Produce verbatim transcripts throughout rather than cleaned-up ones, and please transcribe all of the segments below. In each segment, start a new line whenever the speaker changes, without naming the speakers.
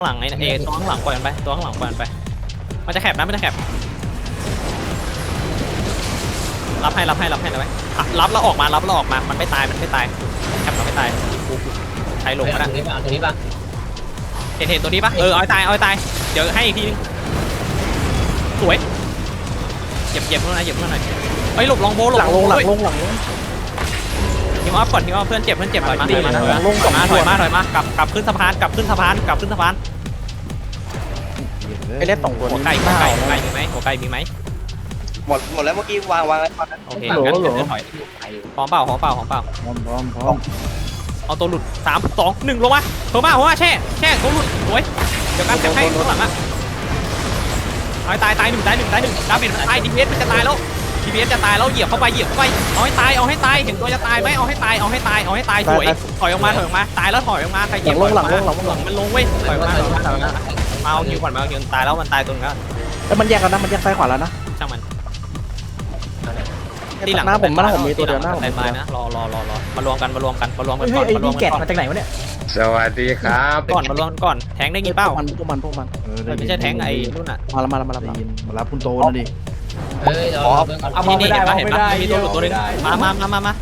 หลังไอ้เอตัวข้างหลังปล่อยมันไปตัวข้างหลังปล่อยมันไปมันจะแคบนะมันจะแคบรับให้รับให้รับให้รับให้รับแล้วออกมารับแล้วออกมามันไม่ตายมันไม่ตายแคบเราไม่ตายกูใช้ลงมาแล้ว
ตัวนี้ป่ะตัวนี้ป่ะ
เห็นเห็นตัวนี้ปะเออเอาตายเอาตายเดี๋ยวให้อีกทีนึงสวยเหยียบเหยียบเท่านั้นเหยียบเท่านั้นเฮ้ยหลบลองโบหลบ
หลังลงหลังลงหลังลง
ทีมออฟก่อนทีมออฟเพื่อนเจ็บเพื่อนเจ็บถอยมาถอยมาถอยมา
ลง
ถอยมาถอยมาถอยมากลับกลับขึ้นสะพานกลับขึ้นสะพานกลับขึ้นสะพาน
ไอ้เล็ดสองตัว
หัว
นี้
ไก่หัวไก่หัวไก่มีไหมหัวไก่มีไหม
หมดหมดแล้วเมื่อกี้วางวางไว้ก่อนนะ
โอเคงั้นเดี๋ยวถอยพร้อมเปล่าพร้อมเปล่าพร้อมเปล่า
พร้อมพร้อมพร้อม
เอาตัวหลุดสามสองหนึ่งลงมาเพิ่มมาหัวแช่แช่ตัวหลุดสวยเดี๋ยวกันแช่ให้ข้างหลังอ่ะตายตายตายหนึ่งตายหนึ่งตายหนึ่งดาเมจมันตายดีพีเอสมันจะตายแล้วดีพีเอสจะตายแล้วเหยียบเข้าไปเหยียบเข้าไปเอาให้ตายเอาให้ตายเห็นตัวจะตายไหมเอาให้ตายเอาให้ตายเอาให้ตายสวยถอยออกมาถอยออกมาตายแล้วถอยออกมาใครเหยียบ
ลงหลังลงหลังลง
ห
ห
ลั
ลั
ง
ง
มันลงเว้ยถอยออกมาถอยออกมาถอยออกมามาเอาคิวก่อนมาเอาคิวตายแล้วมันตายตรงนั้น
แล้วมันแยกกันนะมันแยกซ้ายขวาแล้วนะ
ช่างมัน
ที่หลังหน้าผมหน้าผมมีตัวเดียวหน้าผม
ตายตายนะรอรอรอรอมารวมกันมารวมกันมารวมกันก่อน
ไอ้
มารวม
นี่
กั
แกะ
นก่อน
มาจากไหนวะเนี่ย
สวัสดีครับ
ก่อนมารวมก่อนแทงได้ยินเป้า
พวกมันพวกมันพวกมัน
ไม่ใช่แทงไอ้นู่นน่ะ
มาแล้วมาแล้วมาแล้วมารับคุณโตนะดิ
เฮ้ยเราเพิ่ง
เอามาไม่ได้
เห็น
เอา
ปะ
ไม่
เห็น
ได้
ปะมีตัวหลุดตัวนึงมามามามามา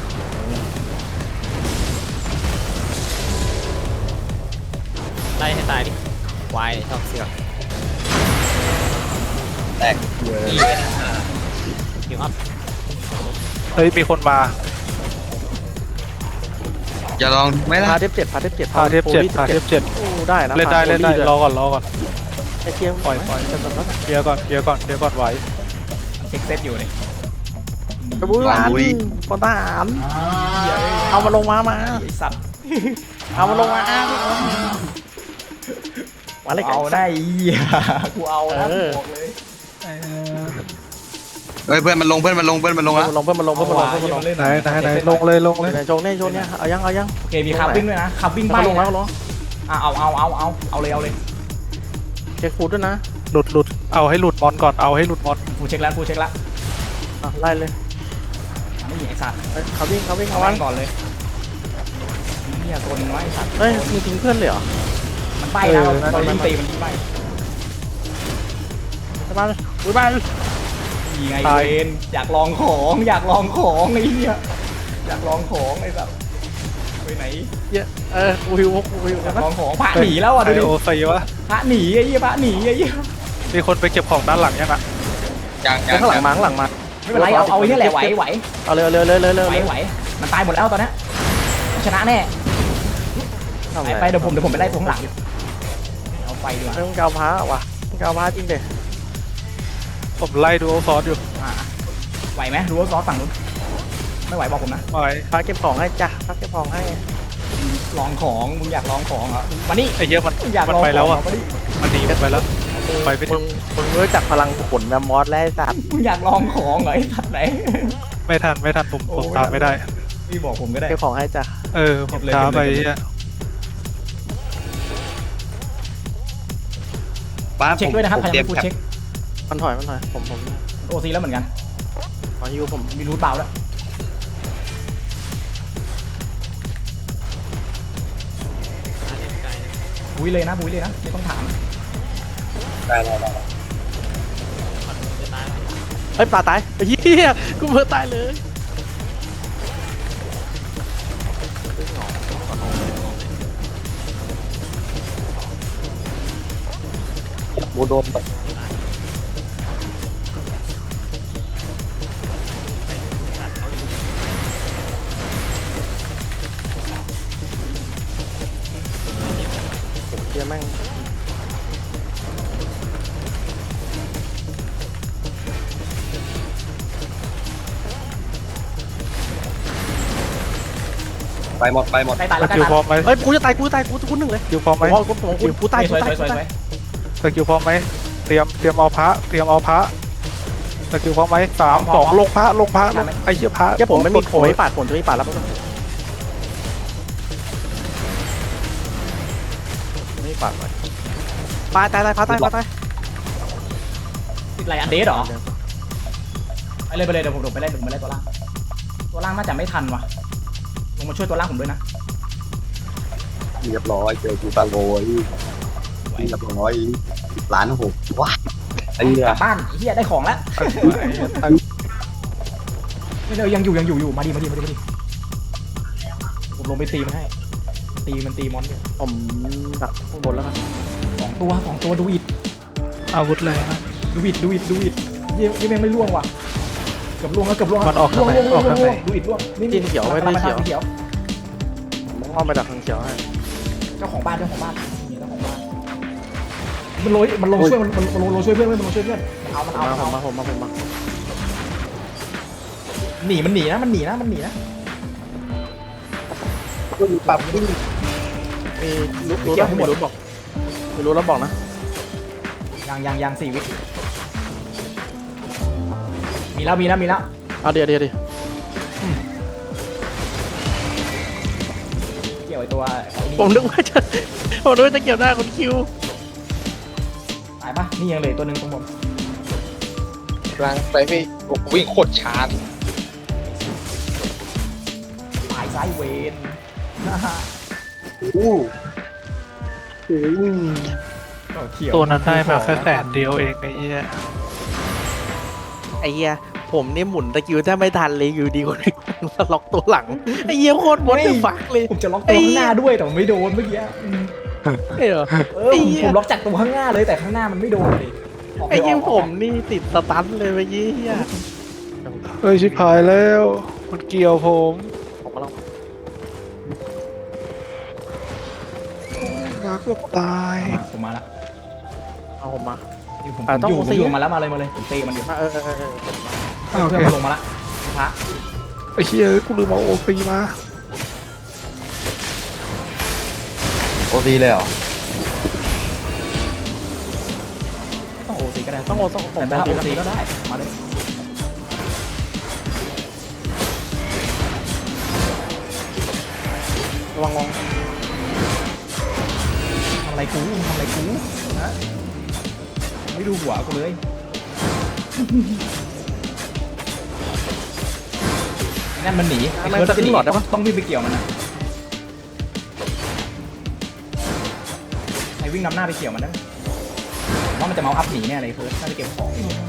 ไล่ให้ตายดิวายชอบเสือก
แตก
หิวอัพ
เฮ้ยมีคนมา
อย่าลองไม่ได้
พาเทปเจ็ดพาเทปเจ็ด
พาเทพเจ็ดพาเทพเจ็ด
ได้นะ
เล่นได้เล่นได้รอก่อนรอก่อน
ไอ้เกียร์
ปล่อยปล่อยเคลียร์ก่อนเคลียร์ก่อนเคลียร์ก่อนไหว
เช็คเซตอยู่เนี่ย
กระบุร้านปนทหารเอามาลงมามา
ไอ้สัตว์
เอามาลงมามาเลยกัน
เอาได้เหี้ยกูเอานะบอกเลย
เฮ้ยเพื่อนมันลงเพื่อนมันลงเพื่อนมันลง
เพิ่
แล้
ม
ว
ลงเพิ่มมาลงเพิ่มมาลงเพิ่มมาลง
ไหนไหนไหนลงเลยลงเลย
ไหนโจงเนี่ยโจงเนี่ยเอายังเอายัง
โอเคมีคับวิ่งด้วยนะคับวิ่งไป
ลงแล้วลง
อ่ะเอาเอาเอาเอาเอาเลยเอาเลย
เช็คฟูดด้วยนะ
หลุดหลุดเอาให้หลุดมอนก่อนเอาให้หลุดมอน
กูเช็คแล้วกูเช็คแล้ว
ไล่เลย
ไม่มีไอ้สัตว์
เขาวิ่งเขาวิ่ง
เอา
เขา
ไว้
วิ่ง
ก่อนเลยเหี้ยตัวนึงไว้ไอ้สัตว์
เฮ้ยมีทิ้งเพื่อนเลยเหรอ
มันไปแล้วตอนยิงตีมันยิงไป
ไปบ้านไปบ้าน
ยิงไงเวนอยากลองของอยากลองของไอ้เหี้ยอยากลองของไอ้สัตว์ไปไหน
เยอะเออกูหิวกูหิว
อยา
นะ
กลองของพระหนีแล้วอ่ะ
ไอ
ดูดิ
โอซีวะ
พระหนีไอ้เหี้ยพระหนีไอ้เหี้ย
มีคนไปเก็บของด้านหลังยังอ่ะ
ยังยัง
ข้างหลังมาข้างหลังมา
ไม่เป็นไรเอาเอาไอ้เนี่ยแหละไหวไหว
เอาเลยเลยเลยเลยเลย
ไหวไหวมันตายหมดแล้วตอนนี้ชนะแน่ไปไปเดี๋ยวผมเดี๋ยวผมไปไล่ตรงหลังเอาไปดีกว่า
ต้องกาวพ้าว่ะต้องกาวพ้าจริงเด็
ผมไล่ดูโอซอสอยู่
อ่าไหวไหมรู้ว่าซอสฝั่งนู้นไม่ไหวบอกผมนะ
ไหว
พ้าเก็บของให้จ้ะพ้าเก็บของให้
ลองของมึงอยากลองของเหรอมานี่
ไอ้เหี้ยมัน
มึงอยาก
มัน
ลอง
ไปแล้วอ่ะ
มานี่
มันหนีมันไปแล้วไปไม่ถึ
มึ
ง
งมึงรู้จักพลังขนแมมมอสแล้วสัตว์
มึงอยากลองของเหรอไอ้สัตว์ไหน
ไม่ทันไม่ทันผมผมตามไม่ได้
พี่บอกผมก็ได้
เก็บของให้จ้ะ
เออผมช้าไปเนี่ย
ป้า
เช็คด้วยนะครับ
ผม
ใคร
เตรี
ยั
ย
ง
ม
ไม่พูดเช็ค
มันถอยมันถอยผมผม
โอซีแล้วเหมือนกัน
ขอยูผม
มีรูทเบาแล้วบุ้ยเลยนะบุ้ยเลยนะไม่ต้องถาม
ได้ได้ได้
เฮ้ยปลาตายเฮียกูเพิ่งตายเลย
โบโดนไป
เฮียแม่ง
ไปหมดไปหมด
ใกล้ตาย
ส
แล้วใกล้
กิล
ตาย
พร้อมไหม
เฮ้ยกูจะตายกูจะตายกูกูหนึ่งเลย
สกิลพร้อมไหม
ผมกูผมกูกูตาย
ส
กู
วย
ตาย
สวยสวย
กูตาย
สกิลพร้อมไหมเตรียมเตรียมเอาพระเตรียมเอาพระสกิลพร้อมไหมสามสองลงพระลงพระลงไอ้เหี้ยพระ
แค่ผมไม่มีผมไม่ปาดผมจะไม่ปาดแล้วไม่ปาดไปตายตายตายพาตายพาตาย
ติดไรอันเดสเหรอไปเลยไปเลยเดี๋ยวผมลงไปไล่ผมไปไล่ตัวล่างตัวล่างน่าจะไม่ทันว่ะลงมาช่วยตัวล่างผมด้วยนะ
เรียบร้อยเจอกูตังโง่เรียบร้อยล้านหกว้าไอ้เหี้ย
บ้านไอ้เฮียได้ของแล้วไม่เลยยังอยู่ยังอยู่อยู่มาดิมาดิมาดิมาดิผมลงไปตีมันให้ตีมันตีมอนเนี่ย
ผมดักข้างบนแล้วกัน
สองตัวสองตัวดูอิด
อาวุธเลยนะ
ดูอิดดูอิดดูอิดยี่ยี่แม่งไม่ล่วงว่ะเกือบล่วงแล้วเกือบล่วง
มันออก
ล่วง
ทางไหน
ล่วง
ออก
ล่วง
ทางไหน
ดูอิดล่วงนี่
จีนเขียวไว้ไม่เขียว
เขียว
ผมเอาไปดักทางเขียวให้
เจ้าของบ้านเจ้าของบ้านนี่เจ้าของบ้านมันโรยมันลงช่วยมันมันมันลงช่วยเพื่อนมันลงช่วยเพื่อนมันเอามันเอา
มา
มัน
ผม
เอา
มาผมมาผมมา
หนีมันหนีนะมันหนีนะมันหนีนะ
ปรับขึ้น
มีรู้รู้แล้วมีรู้บอกมีรู้แล้วบอกนะ
ยังยังยังสี่วิมีแล้วมีแล้วมีแล้ว
เอาเดี๋ยวเดี๋ยวเดี๋ยว
เกี่ยวไอตัวไอ้นี่
ผมนึกว่าจะผมนึกว่าจะเกี่ยวหน้าคนคิว
ตายปะนี่ยังเหลือตัวหนึ่งตรงผม
กลางไปพี่วิ่งโคตรช้า
ตายซ้ายเวน
อู้
ก็เขียว
ตัวนั้นได้มาแค่แสนเดียวเองไอ้เหี้ย
ไอ้เหี้ยผมนี่หมุนตะกิ้วถ้าไม่ทันเลยอยู่ดีคนสล็อกตัวหลังไอ้เหี้ยโคตรบดเลยฟักเลย
ผมจะล็อกตัวข้างหน้าด้วยแต่มันไม่โดนเมื่อกี้อืม
ไอ้เหรอ
เออผมผมล็อกจากตัวข้างหน้าเลยแต่ข้างหน้ามันไม่โดนเลยก
ไอ้เหี้ย
ก
ผมนี่ติดสตันเลยเมื่อกี้เหี้ย
เฮ้ยชิบหายแล้วมันเกี่ยวผม
ผมมาลอง
มาเกือบตาย
ผมมาแล้ว
เอาผมมา
อยู่ผม
อ่ะ
ผม
ต้อง
อยู่ผม
สี่
อยู่มาแล้วมาเลยมาเลยผมตีมันอยู่
เออเออเออเออ
อ่ะโอ
เพื่
เค
อนมันลงมาละพระ
ไอ้เหี้ยกูลืมเอาโอซีมา
โอซีเลยเหรอ
ไม่ต้องโอซีก็ได้
ต้องโอต้องผม
แต่ถ้าโอ
ตี
ซีก็ได้มาเลย
ระวังงง
ทำอะไรกูทำอะไรกูฮะไม่ดูหัวกูเลยนั่นมันหนีไอ้เคิร์ดจะหนีต้องต้องวิ่งไปเกี่ยวมันนะไอ้วิ่งนำหน้าไปเกี่ยวมันนะว่ามันจะเมาอัพหนีแน่เลยเคิร์ดน่าจะเก็บของ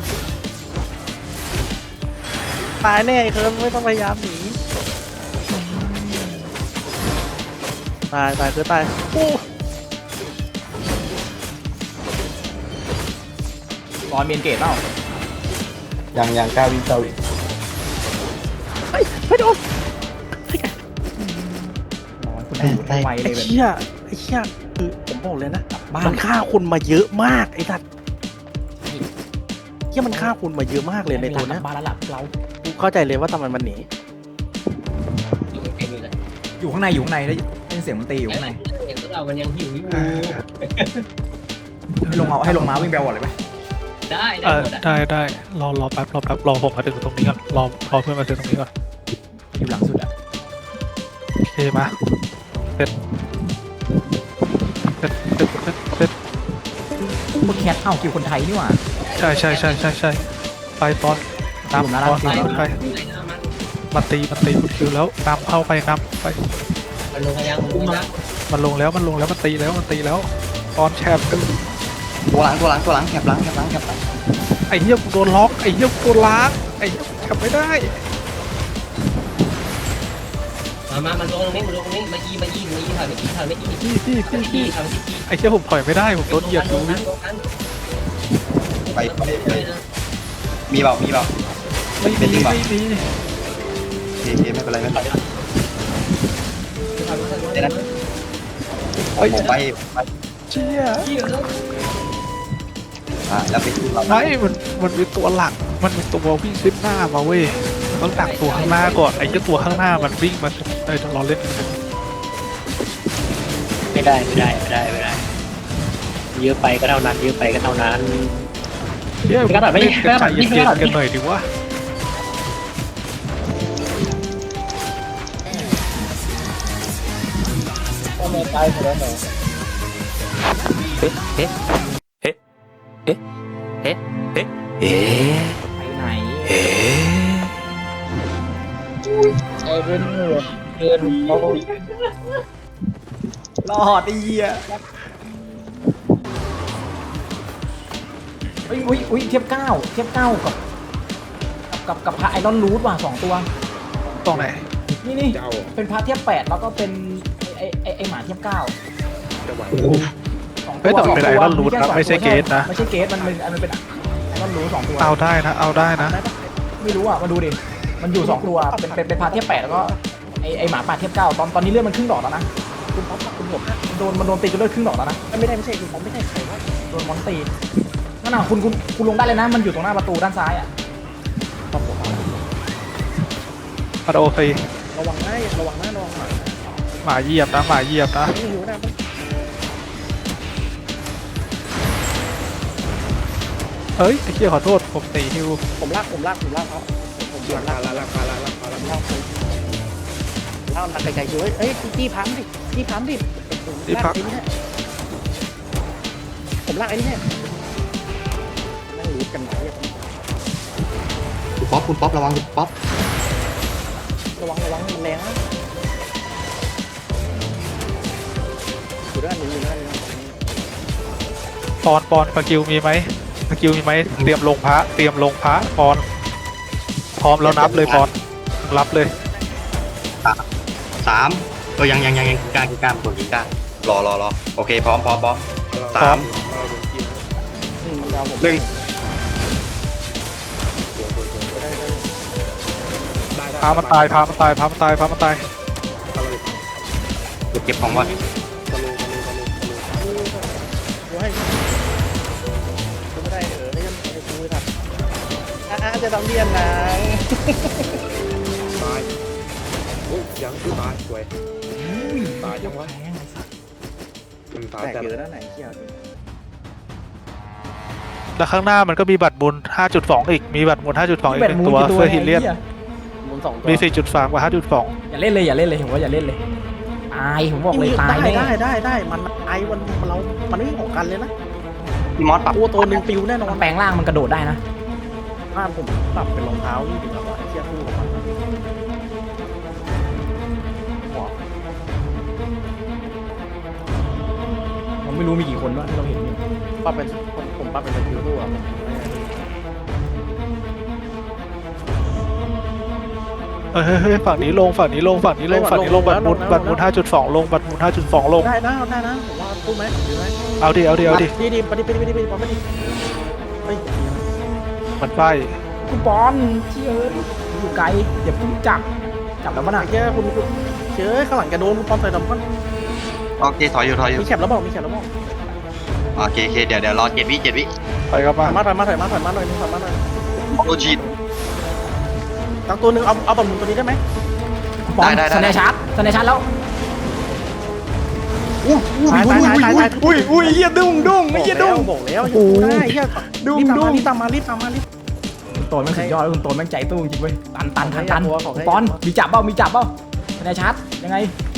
ตายแน่ไอ้เคิร์มไม่ต้องพยายามหนีตายตายคือตายโอ้
รอนเมียนเกตเปล่า
ยังยังกล้าวิ่งเจ้าอีก
เฮ้ยไม่โดน
รอนคุณดูทำไมเล
ไอ้
ยแบบ
เชี่ยไอ้เชี่ยคือผมบอกเลยนะ
บ้า
มัน นฆ่าคุณมาเยอะมากไอ้สัตว์เชี่ยมันฆ่าคุณมาเยอะมากเลยในตัวเนี้ย
บ้านแล้วหลับเรา
กูเข้าใจเลยว่าทำไมมันหนี
อยู่ข้างในอยู่ข้างในได้ยินเสียงมันตีอยู่ข้างใน
เห็นพวกเรามันยังหิวอยู่
ให้ลงเอาให้ลงมาวิ่งไปเอาก่อนเลยไหม
ได้
เอ
ได้
อ
หมดอ่ะ
ได้ได้รอรอแป๊บรอแป๊บรอผมมาถึงตรงนี้ก่อนรอรอเพื่อนมาถึงตรงนี้ก่อน
อยู่หลังสุดอะ
โอเคมาเสร็จเสร็จเสร็จเสร็จเสร็จ
พวกแคทเอ้าคิวคนไทยนี่หว่า
ใช่ใช่ใช่ใช่ใช่ไปตอน
ผมนะ
นำตอน
ร้าน
ไปมาตีมาตีคุณคิวแล้วนำเข้าไปนำไป
มันลงยังลงยัง
มันลงแล้วมันลงแล้วมันตีแล้วมันตีแล้วตอนแชร์กัน
ตัวหลังตัวหลังตัวหลังแคบหลังแคบหลังแคบหลัง
ไอ้เหี้ยกูโดนล็อกไอ้เหี้ยกูโดนล้างไอ้เหี้ยทำไม่ได้
มามามันลงตรงนี้มันลงตรงนี้มาอีมาอีมาอีถอยไปอีถอยไปอี
พี่พี่พี่
อี
พี่
ถอยไปอี
ไอ้เหี้ยผมถอยไม่ได้ผมโดนเหยียบ
ล
ดู
งนั้นลงนั้น
ไปไปไปมีเปล่ามีเปล่า
ไม่มีไม่มี
โอเคโอเคไม่เป็นไรไม่เป็นไรเดี๋ยวนะผมไปไป
เชี่ย
อ่าแล้วไปที่เรา
ไม่มันมันเป็นตัวหลักมันเป็นตัววิ่งซิปหน้ามาเว้ยต้องดักตัวข้างหน้าก่อนไอ้เจ้าตัวข้างหน้ามันวิ่งมาไอ้เราเล่น
ไม่ได้ไม่ได้ไม่ได้ไม่ได้เยอะไปก็เท่านั้นเยอะไปก็เท่านั้น
เชี่ย
ไม่กระดาษไม่
เล่นกันใจ
ไม่
เย็
กระดาษ
นๆกันหน่อยดิวะ
ไปไหน
ไอ้เรื่องเกินเขา
รอดไอ้เหี้ยอุ้ยอุ้ยอุ้ยเทียบเก้าเทียบเก้ากับกับกับพระไอรอนรูทว่ะสองตัว
ตรงไหน
นี่นี่เป็นพระเทียบแปดแล้วก็เป็นไอไอไอหมาเทียบเก้าสองตัว
เฮ้ยแต่มันเป็นไอรอนรูท
แค่
นะ
สง
ไม่ใช่เกตนะ
ไม่ใช่เกตมันเป็นมันเป็นไอรอนรูทสองตัว
เอาได้นะเอาได้นะ
ไม่รู้อ่ะมาดูดิมันอยู่สองตัวเป็นเป็นเป็นพระเทียบแปดแล้วก็ไอไอหมาป่าเทียบเก้าตอนตอนนี้เลือดมันครึ่งดอกแล้วนะคุณป๊อปคุณผมโดนมันโดนตีจนเลือดครึ่งดอกแล้วนะ
ไม่ได้ไม่ใช่คือผมไม่ใช่ใครวะ
โดนมอนตีนั่นน่ะคุณคุณคุณลงได้เลยนะมันอยู่ตรงหน้าประตูด้านซ้ายอ่ะ
มาโอซี
ระวังหน้าระวังหน้าระวังหมา
หมาเหยียบนะหมาเหยียบนะ
ไม่หิวนะ
เฮ้ยไอ้เหี้ยขอโทษผมตีฮิว
ผมลากผมลากผมลากเขาผมลากลากลากลากลากลากลากลากลากลากไกลๆอยู่เฮ้ยจี้พัมดิจี้พัมดิผมลากไอ้นี่แน่นั่งรู้กันไหน
คุณป๊อปคุณป๊อประวังคุณป๊อประ
วังระวังมันแรงนะอยู่ด้านนี้อยู่ด้านนี้
ปอนปอนสกิลมีไหมสกิลมีไหมเตรียมลงพระเตรียมลงพระปอนพร้อมแล้วนับเลยปอนรับเลย
สามตัวยังยังยังยังกล้ากล้ากดกล้ารอรอรอโอเคพร้อมพร้อมพร้อมสามหนึ่ง
พามันตายพามันตายพามันตายพามันตาย
เก็บของไว้
ไม่ได้เออไม่ยังไม่คุยครับอ่ะจะต้องเรียนนะ
ตายโอ้ยยังคือตายสวยตายยังวะมันตาย
แต่
แต่
เยอะด้านไหนเชี่ย
แล้วข้างหน้ามันก็มีบัตรบุญ ห้าจุดสอง อีกมีบัตรบุญ ห้าจุดสอง อีกหนึ่งตัวเพื่อฮิลเลียน
มูลสองตัว
มี สี่จุดสาม กับ ห้าจุดสอง
อย่าเล่นเลยอย่าเล่นเลยผมว่าอย่าเล่นเลยตายผมบอกเลยตาย
ได้
แน่
ได้ได้ได้มันไอ้วันเรา มันไม่ของกันเลยนะ
พี่มอสปรับ
ตัวตัวหนึ่งปิวแน่นอน
มันแปลงร่างมันกระโดดได้นะ
บ้านผมปรับเป็นรองเท้านี่ดีกว่าไอ้เชี่ยคู่ของมัน
ผมไม่รู้มีกี่คนวะที่เราเห็นอยู่
ปรับเป็นผมผมปรับเป็นสกิลคู่อ่ะ
เฮ้ยเฮ้ยเฮ้ยฝั่งนี้ลงฝั่งนี้ลงฝั่งนี้ลงฝั่งนี้ลงบัตรบุญบัตรบุญ ห้าจุดสอง ลงบัตรบุญ ห้าจุดสอง ลง
ได้นะได้นะผมว่าคู่ไหมดีไหม
เอาดิเอาดิเอาดิ
ดีดีปฏิปฏิปฏิปฏิปฏิเฮ้ย
มันไป
คุณบอลเชี่ยเอ้ยอยู่ไกลอย่าเพิ่งจับจับแล้วมันอ่ะ
ไอ้เชี่ยคุณคุณเชื่อข้างหลังแกโดนคุณปอมใส่ดำก้อน
โอเคถอยอยู่ถอยอยู่
มีแคปแล้วบอกมีแคปแล้วบอก
โอเคโอเคเดี๋ยวเดี๋ยวรอเจ็ดวิเจ็ดวิ
ไปครับ
ถ
มา
อยมาถอยมาถอยมาถอยมาหน่อยนึงถอยมาหน่อย
โอชีด
ตั้งตัวหนึ่งเอาเอาบอลมุนตัวนี้ได้ไหม
บอล
ได้ได้
สแนชาร์จสแนชาร์จแล้ว
ตายตายตายตายตาย
อุ้ยอุ้ยเหี้ยดุ้งดุ้งไม่เหี้ยดุ้ง
บอกแล้วอยู่ได้เฮีย
ดุ้ง
รีบตาม
ดุ้
มาง รีบตามมารีบตามมารีบ
คุณโตนแม่งสุดยอดคุณโตนแม่งใจตู้จริงเว้ยตันตันทันตัน
ขอให้ขอให้
บอลมีจับเปล่ามีจับเปล่าสแนชาร์จยังไง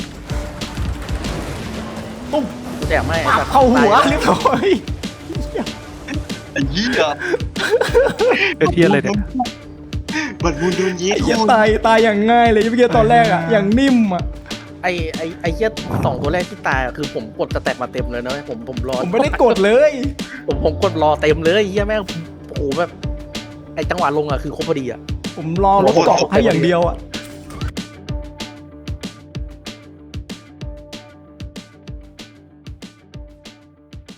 แดกไม่
ปับเข้าหัวเรียบร้อย
ไอ้เหี้ย
เป็นเทียอะไรเนี่ย
บัดบุญโดนยี
ไอ้เหี้ยตายตายอย่างง่ายเลยเมื่อกี้ตอนแรกอ่ะอย่างนิ่มอ่ะ
ไอไอไอเฮียสองตัวแรกที่ตายคือผมกดสแตทมาเต็มเลยนะผมผมรอ
ผมไม่ได้กดเลย
ผมผมกดรอเต็มเลยเฮียแม่งโอ้โหแบบไอจังหวะลงอ่ะคือครบพอดีอ่ะ
ผมรอรถเกาะให้อย่างเดียวอ่ะ